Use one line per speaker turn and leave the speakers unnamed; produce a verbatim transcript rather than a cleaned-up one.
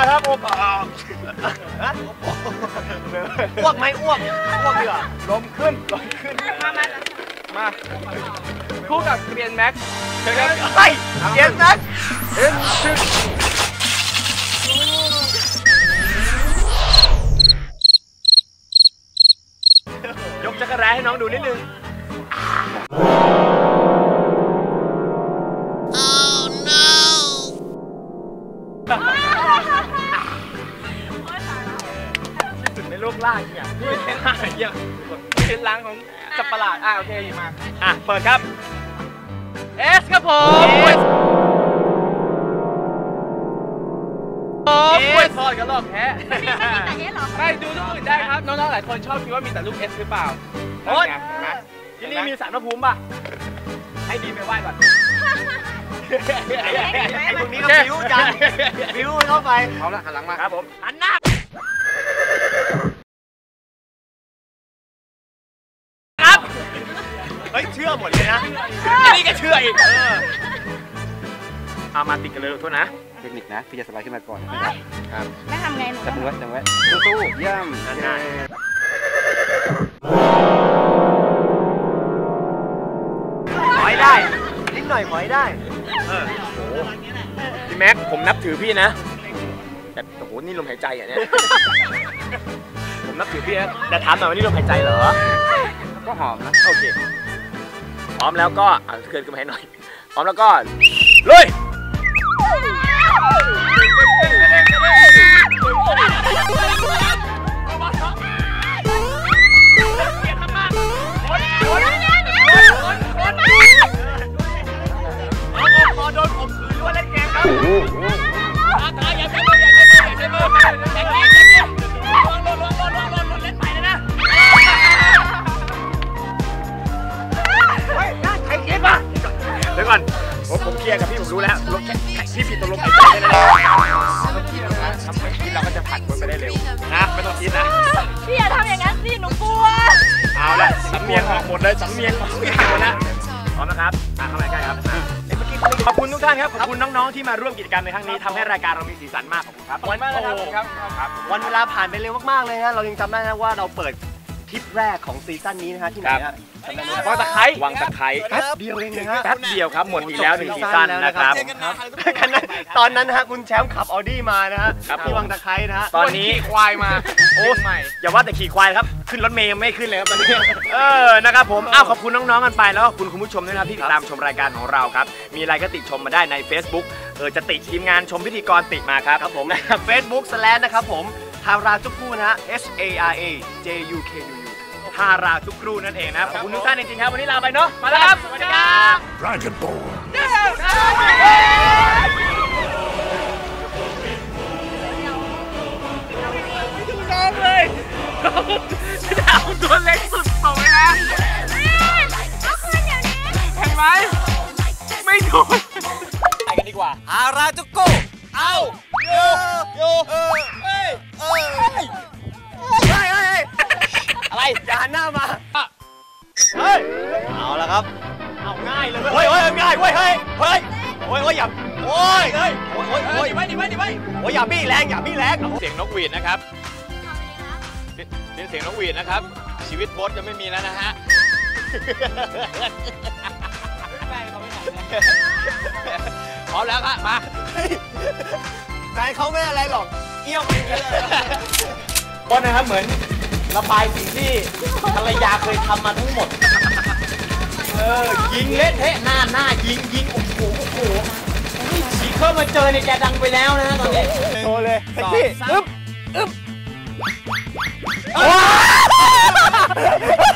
ครับอ้วกอ้วกไหมอ้วกอ้วกดีกว่าลมขึ้นลมขึ้นมามามาคู่กับเกรียนแม็กเชิญครับไปเกรียนแม็กเอ็นชิยกจักรแร้ให้น้องดูนิดนึงในโลกล่างเนี่ยไม่ใช่ล่างอย่างเป็นล้างของสัตว์ประหลาดอ่ะโอเคมาอ่ะเปิดครับเอสครับผมโอ้ยทอดกันรอบแพ้ไม่ดูทุกอื่นได้ครับน้องๆหลายคนชอบคิดว่ามีแต่ลูกเอสหรือเปล่าโอ้ยที่นี่มีสารพระภูมิป่ะให้ดีไปไหว้ก่อนไอ้พวกนี้ก็บิ้วจังบิ้วเข้าไปเอาละหันหลังมาครับผมหันหน้าครับเฮ้ยเชื่อหมดเลยนะนี่ก็เชื่ออีกเอามาติดกันเลยโทษนะเทคนิคนะพี่จะสไลด์ขึ้นมาก่อนนะครับครับไม่ทำไงหนูจับมือไว้จับไว้สู้ๆย่ำง่ายถอยได้นิดหน่อยถอยได้เออโอ้โหพี่แม็กผมนับถือพี่นะแต่โอ้โหนี่ลมหายใจอ่ะเนี่ยผมนับถือพี่นะแต่ถามหน่อยว่านี่ลมหายใจเหรอก็หอมนะโอเคพร้อมแล้วก็อ่ะเกินขึ้นมาให้หน่อยพร้อมแล้วก็ลุยพอโดนผมคือว่าเล่นเกมครับอย่าใช้มืออย่าใช้มืออย่าใช้มือแข่งนี้แข่งนี้ลงลงลงลงลงลงเล่นใหม่เลยนะเฮ้ยน่าใช้เกมป่ะเดี๋ยวก่อนผมผมเคลียร์กับพี่ผมรู้แล้วลงแข่งพี่ผิดตกลงหายใจเลยนะต้องคิดแล้วนะทำไม่คิดเราก็จะผ่านคนไปได้เร็วนะไม่ต้องคิดนะ
พี่อย่าทำอย่างนั้นสิหนูกลัว
เอาละสำเนียงออกหมดเลยสำเนียงออกทุกอย่างหมดแล้วพร้อมนะครับมาเข้ามาใกล้ครับขอบคุณทุกท่านครับขอบคุณน้องๆที่มาร่วมกิจกรรมในครั้งนี้ทำให้รายการเรามีสีสันมากขอบคุณครับวันมากนะครับครับวันเวลาผ่านไปเร็วมากๆเลยนะเรายังจำได้นะว่าเราเปิดทริปแรกของซีซั่นนี้นะฮะที่ไหนฮะวังตะไคร้วังตะไคร้แป๊บเดียวเองนะฮะแป๊บเดียวครับหมดอีกแล้วหนึ่งซีซั่นนะครับตอนนั้นนะฮะคุณแชมป์ขับออดี้มานะฮะที่วังตะไคร้นะฮะตอนนี้ขี่ควายมาโอ้ใหม่อย่าว่าแต่ขี่ควายครับขึ้นรถเมย์ยังไม่ขึ้นเลยครับตอนนี้เออนะครับผมอ้าวขอบคุณน้องๆกันไปแล้วก็คุณคุณผู้ชมด้วยนะที่ติดตามชมรายการของเราครับมีอะไรก็ติชมมาได้ใน Facebook เออจะติทีมงานชมพิธีกรติมาครับครับผมนะครับ Facebook สแลนนะครับผมทาราจุกคู่นะฮะ H A R A J U K U U ทาราจุกคู่นั่นเองนะขอบคุณทุกท่านจริงๆครับวันนี้ลาไปเนาะมาแล้วครับสวัสดีครับ Dragon Ball น้องเลยเอาตัวเล็กสุดส่งไปแล้วเห็นไหมไม่ถูกไปกันดีกว่าทาราจุกคู่เอาโยโยเออเฮ้ยเฮ้ยเฮ้ยเฮ้ยอะไรอย่าหันหน้ามาเฮ้ยเอาละครับเอาง่ายเลยเฮ้ยเฮ้ยง่ายเว้ยเฮ้ยเฮ้ยโอ้ยโอ้ยอย่าโอ้ยเฮ้ยโอ้ยโอ้ยโอ้ยไว้ดิไว้ดิไว้โอ้ยอย่าบี้แรงอย่าบี้แรงเสียงนกหวีดนะครับเสียงนกหวีดนะครับชีวิตโบ๊ทจะไม่มีแล้วนะฮะพร้อมแล้วครับมาใจเขาไม่อะไรหรอกเอี้ยวไปเลยโบ๊ทนะครับเหมือนระบายสิ่งที่ภรรยาเคยทำมาทั้งหมดเออยิงเละเทะหน้าหน้ายิงยิงโอ้โหโอ้โหฉีกเข้ามาเจอในแกดังไปแล้วนะตอนนี้โชว์เลยเซ็กซี่อึ๊บอึ๊บ